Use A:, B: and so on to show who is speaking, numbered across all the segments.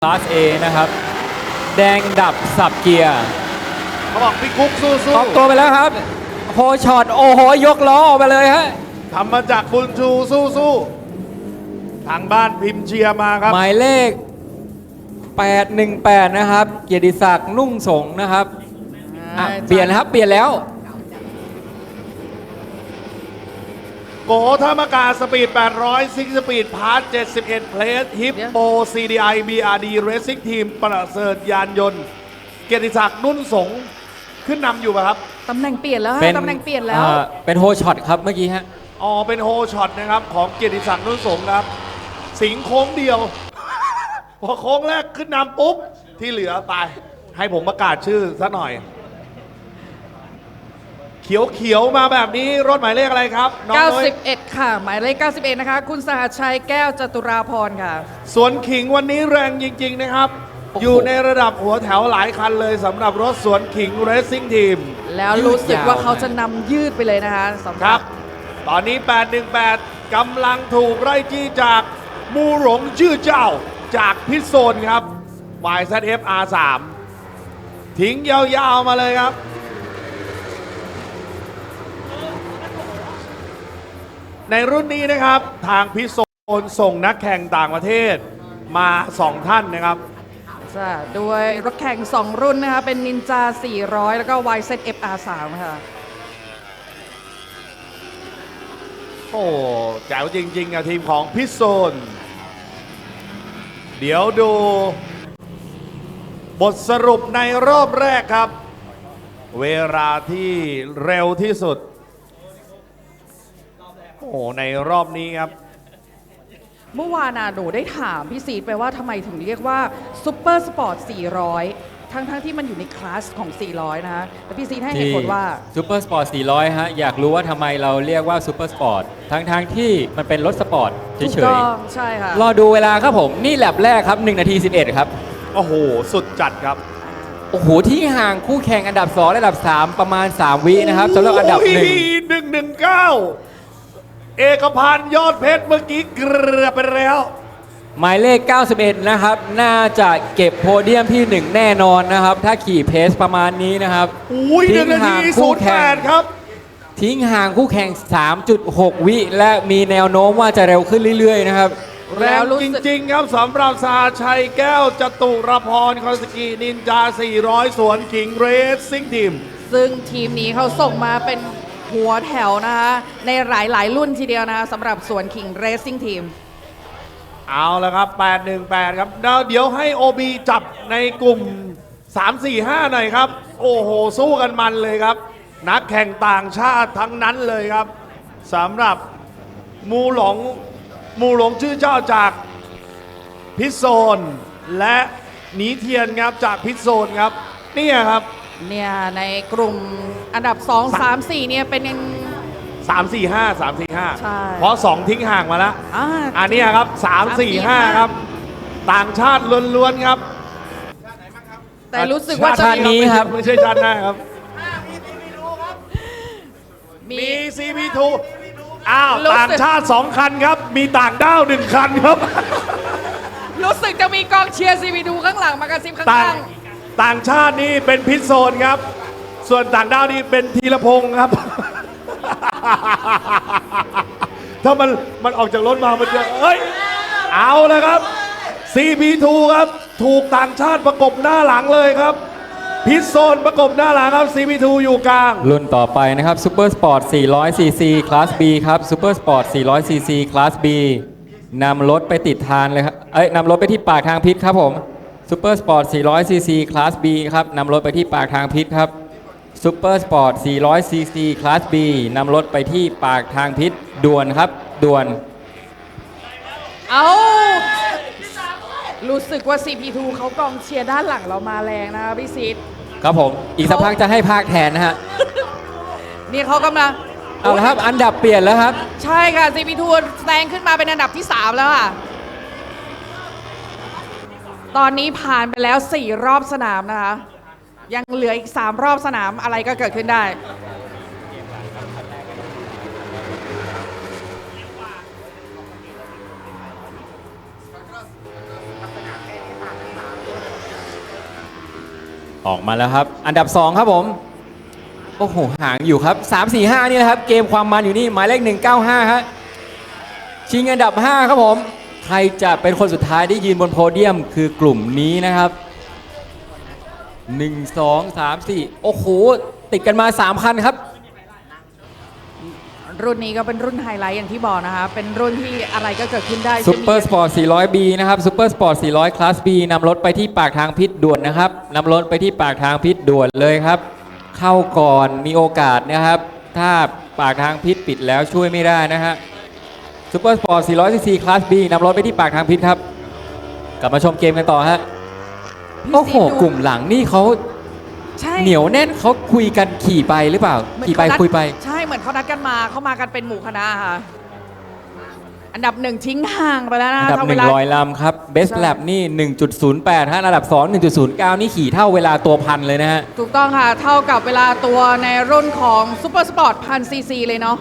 A: คลาส A นะครับแดงดับสับเกียร์
B: เขาบอกพี่กุ๊กสู้
A: ออกตัวไปแล้วครับโฮช็อตโอ้โหยกล้อออกไปเลยฮะ
B: ทำมาจากบุญชูสู้ทางบ้านพิมพ์เชียร์มาครับ
A: หมายเลข 818 นะครับเกียรติศักดิ์นุ่งสงนะครับเปลี่ยนนะครับเปลี่ยนแล้ว
B: โกธรรมกาสปีด800ซิกสปีดพาร์ท71เพลสฮิปโป CDI BRD Racing Team ประเสริฐยานยนต์เกียรติศักดิ์นุ่นสงขึ้นนำอยู่ป่ะครับ
C: ตำแหน่งเปลี่ยนแล้วตำแหน่งเปลี่ยนแล้ว
A: เป็นโฮช็อตครับเมื่อกี้ฮะ
B: อ๋อเป็นโฮช็อตนะครับของเกียรติศักดิ์นุ่นสงครับสิงโค้งเดียว พอโค้งแรกขึ้นนำปุ๊บที่เหลือไปให้ผมประกาศชื่อสักหน่อยเขียวมาแบบนี้รถหมายเลขอะไรครับน้องน้อย
C: 91ค่ะหมายเลข91นะคะคุณสหัสชัยแก้วจตุราพรค่ะ
B: สวนขิงวันนี้แรงจริงๆนะครับอยู่ในระดับหัวแถวหลายคันเลยสำหรับรถสวนขิง Racing Team
C: แล้วรู้สึกว่าเขาจะนำยืดไปเลยนะคะสำหรับ
B: ตอนนี้818กำลังถูกไล่จี้จากมูหลงชื่อเจ้าจากพิษโซนครับ YZF R3 ทิ้งยาวๆมาเลยครับในรุ่นนี้นะครับทางพิษโซนส่งนักแข่งต่างประเทศมา2ท่านนะครับ
C: ด้วยรถแข่ง2รุ่นนะคะเป็นนินจา400แล้วก็ YZF R3 ค่ะ
B: โอ้แจ๋วจริงๆอะทีมของพิษโซนเดี๋ยวดูบทสรุปในรอบแรกครับเวลาที่เร็วที่สุดโอ้ในรอบนี้ครับ
C: เมื่อวานหนูได้ถามพี่ซีดไปว่าทำไมถึงเรียกว่าซุปเปอร์สปอร์ต400ทั้งที่มันอยู่ในคลาสของ400นะคะแต่พี่ซีดให้เหตุผลว่า
A: ซูเปอร์สปอร์ต400ฮะอยากรู้ว่าทำไมเราเรียกว่าซูเปอร์สปอร์ตทั้งที่มันเป็นรถสปอร์ตเฉย
C: ๆใช่ค่ะ
A: รอดูเวลาครับผมนี่แลบแรกครับ1 นาที 11ครับ
B: โอ้โหสุดจัดครับ
A: โอ้โหที่ห่างคู่แข่งอันดับ2และอันดับ3ประมาณ3วินะครับสำหรับอันดับ
B: 119เอกพันธ์ยอดเพชรเมื่อกี้เกือบไปแล้ว
A: หมายเลข91นะครับน่าจะเก็บโพเดียมที่ 1แน่นอนนะครับถ้าขี่เพสประมาณนี้นะครับ
B: 1 นาที 08ครับ
A: ทิ้งห่างคู่แข่ง 3.6 วิและมีแนวโน้มว่าจะเร็วขึ้นเรื่อยๆนะครับ
B: แล้วจริงๆครับสำหรับสาชัยแก้วจตุรพรคอนสกีนินจา400สวนขิงเรสซิ่งทีม
C: ซึ่งทีมนี้เขาส่งมาเป็นหัวแถวนะคะในหลายรุ่นทีเดียวนะคะสำหรับสวนขิงเรสซิ่งทีม
B: เอาละครับ818ครับเดี๋ยวให้ OB จับในกลุ่ม3-4-5หน่อยครับโอ้โหสู้กันมันเลยครับนักแข่งต่างชาติทั้งนั้นเลยครับสำหรับมูหลงชื่อเจ้าจากพิษโซนและหนีเทียนครับจากพิษโซนครับเนี่ยครับ
C: เนี่ยในกลุ่มอันดับ2 3 4เนี่ยเป็น
B: 3-4-5
C: ใช่
B: เพราะ2ทิ้งห่างมาแล้วอันนี้ครับ3-4-5ครับต่างชาติล้วนๆครับ
C: แต่รู้สึกว่า
A: ชาตินี้ครับ
B: ไม่ใช่ชาติหน้าครับมี CP2 อ้าวต่างชาติ2คันครับมีต่างด้าว1คันครับ
C: รู้สึกจะมีกองเชียร์ CP2 ข้างหลังมากระซิบข้าง
B: ต่างชาตินี่เป็นพิษโซนครับส่วนต่างด้าวนี่เป็นธีรพงศ์ครับถ้ามันออกจากรถมามันจะเอ้ยเอาเลยครับ CP2 ครับถูกต่างชาติประกบหน้าหลังเลยครับพิษโซนประกบหน้าหลังครับ CP2 อยู่กลาง
A: รุ่นต่อไปนะครับซูเปอร์สปอร์ต400 cc คลาส B ครับซูเปอร์สปอร์ต400 cc คลาส B นำรถไปติดทานเลยครับนำรถไปที่ปากทางพิษครับผมซูเปอร์สปอร์ต400 cc คลาส B ครับนำรถไปที่ปากทางพิษครับซูเปอร์สปอร์ต400 cc คลาส B นำรถไปที่ปากทางพิษด่วนครับด่วน
C: เอารู้สึกว่า CP2 เขากองเชียร์ด้านหลังเรามาแรงนะคะพี่ซีด
A: ครับผมอีกสักพักจะให้ภาคแทนนะฮะ
C: นี่เขากำลัง
A: เอาละครับอันดับเปลี่ยนแล้วครับ
C: ใช่ค่ะ CP2 แซงขึ้นมาเป็นอันดับที่3แล้วค่ะตอนนี้ผ่านไปแล้ว4รอบสนามนะคะยังเหลืออีก3รอบสนามอะไรก็เกิดขึ้นได้
A: ออกมาแล้วครับ อันดับ 2 ครับผม โอ้โห ห่างอยู่ครับ 3 4 5 นี่นะครับ เกมความมันอยู่นี่ หมายเลข 195 ฮะ ชิงอันดับ 5 ครับผม ใครจะเป็นคนสุดท้ายที่ยืนบนโพเดียมคือกลุ่มนี้นะครับ 1 2 3 4 โอ้โห ติดกันมา 3 คันครับ
C: รุ่นนี้ก็เป็นรุ่นไฮไลท์อย่างที่บอกนะคะ เป็นรุ่นที่อะไรก็เกิดขึ้นได้
A: ซูเปอร์สปอร์ต 400B นะครับซูเปอร์สปอร์ต 400 คลาส B นำรถไปที่ปากทางพิษด่วนนะครับนำรถไปที่ปากทางพิษด่วนเลยครับ เข้าก่อนมีโอกาสนะครับ ถ้าปากทางพิษปิดแล้วช่วยไม่ได้นะฮะซูเปอร์สปอร์ต 400cc คลาส B นำรถไปที่ปากทางพิษครับ กลับมาชมเกมกันต่อฮะ โอ้โห กลุ่มหลังนี่เขา
C: ใช่
A: เหนียวแน่นเขาคุยกันขี่ไปหรือเปล่า
C: เหมือน
A: ขี่ไป
C: เขานัด
A: คุยไป
C: ใช่เหมือนเขานัดกันมาเขามากันเป็นหมู่คณะค่ะ อันดับ 1 ทิ้งห่างไปแล้วนะ
A: อันดับ
C: ทำเวลา
A: 100 ลำครับ Best
C: ใช่
A: Lap นี่ 1.08 ฮะอันดับ 2 1.09 นี่ขี่เท่าเวลาตัวพันเลยนะฮะ
C: ถูกต้องค่ะ เท่ากับเวลาตัวในรุ่นของซูเปอร์สปอร์ต1000cc เลยเนาะ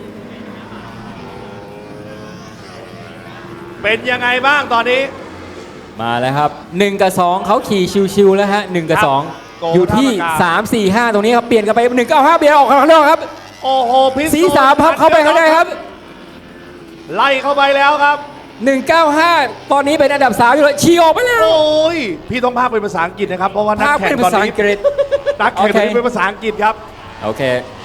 B: เป็นยังไงบ้างตอนนี้
A: มาแล้วครับ 1 กับ 2เขาขี่ชิวๆแล้วฮะ 1 กับ
B: ครับโก
A: 2 อยู่ที่
B: ท่ามกลาง
A: 3 4 5 ตรงนี้ครับ เปลี่ยนกันไป 195 เปลี่ยนออกข้างนอกครับ
B: โอ้โหพิษ
A: สีสามพับเข้าไปข้างในครับ
B: ไล่เข้าไปแล้วครับ
A: 195 ตอนนี้เป็นอันดับ 3 อยู่เลยชี้ออกไปแล้ว
B: โอ้ย พี่ต้องพากเป็นภาษาอังกฤษนะครับ เพราะว่านัก
A: ภาค
B: แข่
A: เป็น
B: งตอ
A: ภาน ษา
B: นี้
A: อังกฤษ
B: นักแข่งตอนนี้
A: โอเค
B: เป็นภาษาอังกฤษครับ
A: โอเค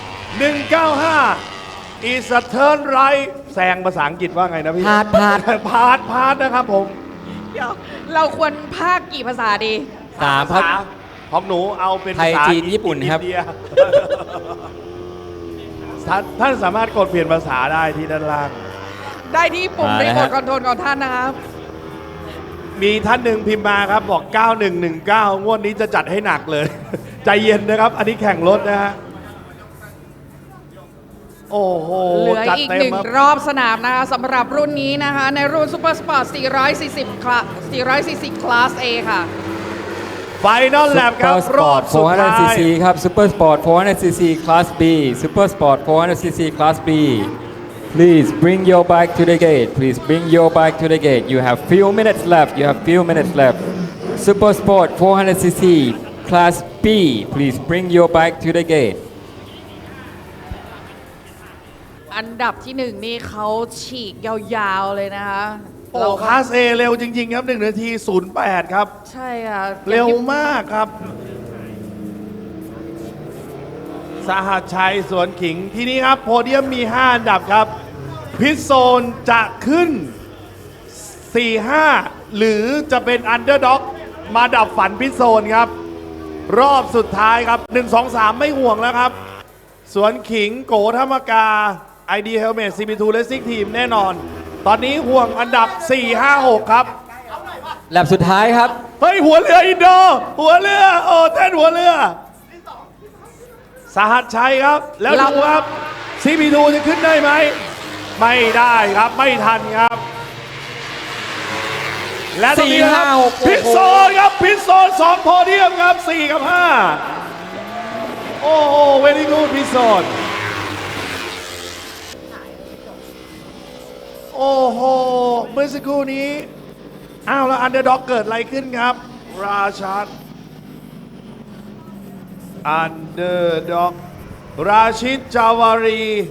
B: 195 is a turn right แซงภาษาอังกฤษว่าไงนะพี่
A: พาด
B: พาดนะครับผม
C: เดี๋ยวเราควรภาคกี่ภาษาดี
A: 3 ครับ
B: ของหนูเอาเป็น
A: ไทย
B: ภาษา
A: จีนญี่ปุ่นครับ
B: อิเดีย ท่านสามารถกดเปลี่ยนภาษาได้ที่ด้านล่าง
C: ได้ที่ปุ่ม
A: มา
C: รี
A: แล้ว
C: โม
A: ฮะ
C: ทคอนโทรลของท่านนะครับ
B: มีท่านหนึ่งพิมพ์มาครับบอก 9119 งวดนี้จะจัดให้หนักเลย ใจเย็นนะครับ อันนี้แข่งรถนะฮะ โอ้โห
C: เหลือ
B: จัด
C: อีก
B: เต็ม
C: หนึ่ง
B: ครับ
C: รอบสนามนะคะสำหรับรุ่นนี้นะคะ ในรุ่นซูเปอร์สปอร์ต440 คลาส A ค่ะ
B: ไฟนอลแลบครับ
A: Super
B: รอบ
A: Sport
B: สุดท้าย
A: 400cc ครับ Super Sport 400cc Class B Super Sport 400cc Class B Please bring your bike to the gate Please bring your bike to the gate You have few minutes left You have few minutes left Super Sport 400cc Class B Please bring your bike to the gate
C: อันดับที่หนึ่งนี่เขาฉีกยาวๆเลยนะคะ
B: โอ้คลาส A เร็วจริง ๆ ครับ 1 นาที 08 ครับ
C: ใช่ค่ะ
B: เร็วมากครับ สหัสชัยสวนขิงที่นี้ครับ โพเดียมมี 5 อันดับครับ พิษโซนจะขึ้น 4-5 หรือจะเป็นอันเดอร์ด็อกมาดับฝันพิษโซนครับ รอบสุดท้ายครับ 1-2-3 ไม่ห่วงแล้วครับ สวนขิงโกธรรมกา ID Helmet CP2 Racing Team แน่นอน ตอนนี้ห่วงอันดับ 4-5-6 ครับ
A: แลบสุดท้ายครับ
B: เฮ้ย หัวเรืออินโด หัวเรือ โอ้เต้นหัวเรือ สหัสชัยครับ แล้วดูครับ CP2 จะขึ้นได้ไหม ไม่ได้ครับ ไม่ทันครับ และตรงนี้ครับ
A: 4-5-6
B: พิษโซนครับ พิษโซน2โพเดียมครับ 4 กับ 5 โอ้โหเวลี่กูดพิษโซน โอ้โห เมื่อสักครู่นี้ อ้าวแล้วอันเดอร์ด็อกเกิดอะไรขึ้นครับ ราชัดอันเดอร์ด็อกราชิดจาวารี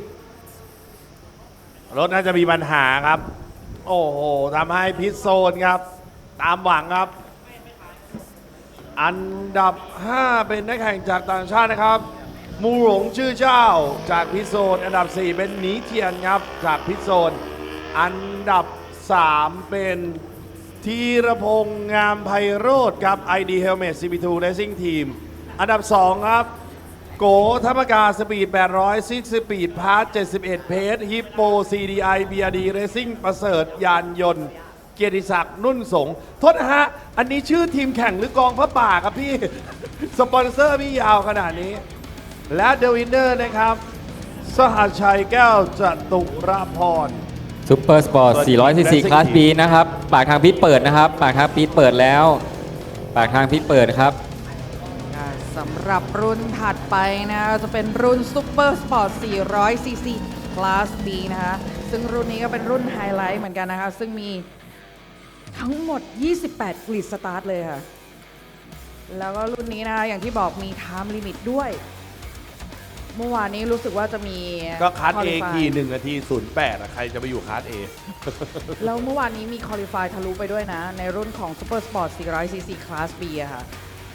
B: รถน่าจะมีปัญหาครับ โอ้โหทำให้พิษโซนครับ ตามหวังครับ อันดับ 5 เป็นนักแข่งจากต่างชาตินะครับ มูหลงชื่อเจ้าจากพิษโซน อันดับ 4 เป็นหนีเทียนครับจากพิษโซน อันดับ 3 เป็นธีรพงษ์งามไพโรธครับ ID Helmet CP2 Racing Team อันดับ 2 ครับ โกธรรมกาสปีด 800 ซิกสปีดพาร์ท 71 เพจฮิปโป CDI BRD Racing ประเสริฐยานยนต์ เกียรติศักดิ์นุ่นสงฆ์โทษนะฮะ อันนี้ชื่อทีมแข่งหรือกองพระป่าครับพี่ สปอนเซอร์พี่ยาวขนาดนี้ และเดวินเนอร์นะครับ สหัสชัยแก้วจตุรพร
A: Super Sport 400cc Class B นะครับ ปากทางพิษเปิดนะครับ ปากทางพิษเปิดแล้ว ปากทางพิษเปิดครับ
C: สำหรับรุ่นถัดไปนะจะเป็นรุ่น Super Sport 400cc Class B นะคะซึ่งรุ่นนี้ก็เป็นรุ่นไฮไลท์เหมือนกันนะคะ ซึ่งมีทั้งหมด 28 กริดสตาร์ทเลยค่ะแล้วก็รุ่นนี้นะคะอย่างที่บอกมี time limit ด้วย เมื่อวานนี้รู้สึกว่าจะมี
B: ก็คัส A
C: qualify
B: ขี่1 นาที 08อะใครจะไปอยู่คัส A
C: แล้วเมื่อวานนี้มี qualify ทะลุไปด้วยนะ ในรุ่นของ Super Sport 400cc Class B อะค่ะ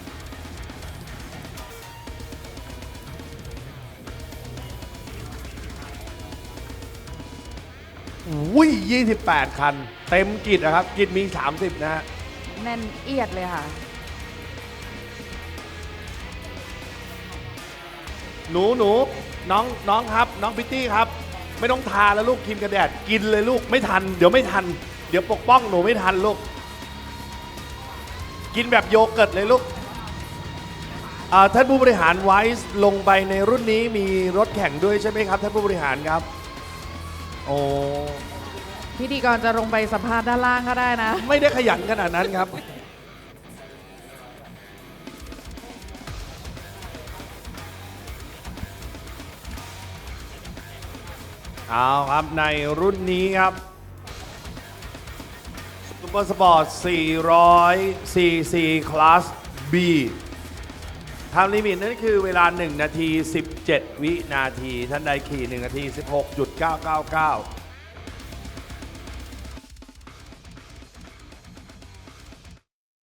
B: อุ้ย 28 คัน เต็มกิจนะครับ กิจมี 30 นะฮะ
C: แน่นเอียดเลยค่ะ
B: หนูน้องครับ น้องพิตตี้ครับ ไม่ต้องทาแล้วลูกครีมกันแดดกินเลยลูกไม่ทัน เดี๋ยวไม่ทัน เดี๋ยวปกป้องหนูไม่ทันลูก กินแบบโยเกิร์ตเลยลูกท่านผู้บริหารไวส์ลงไปในรุ่นนี้มีรถแข่งด้วยใช่ไหมครับ ท่านผู้บริหารครับ โอ้
C: พิธีกรจะลงไปสัมภาษณ์ด้านล่างก็ได้นะ
B: ไม่ได้ขยันขนาดนั้นครับ เอาครับในรุ่นนี้ครับซุปเปอร์สปอร์ต400 cc คลาส B ไทม์ลิมิตนั่นคือเวลา1 นาที 17 วินาที ท่านใดขี่ 1 นาที 16.999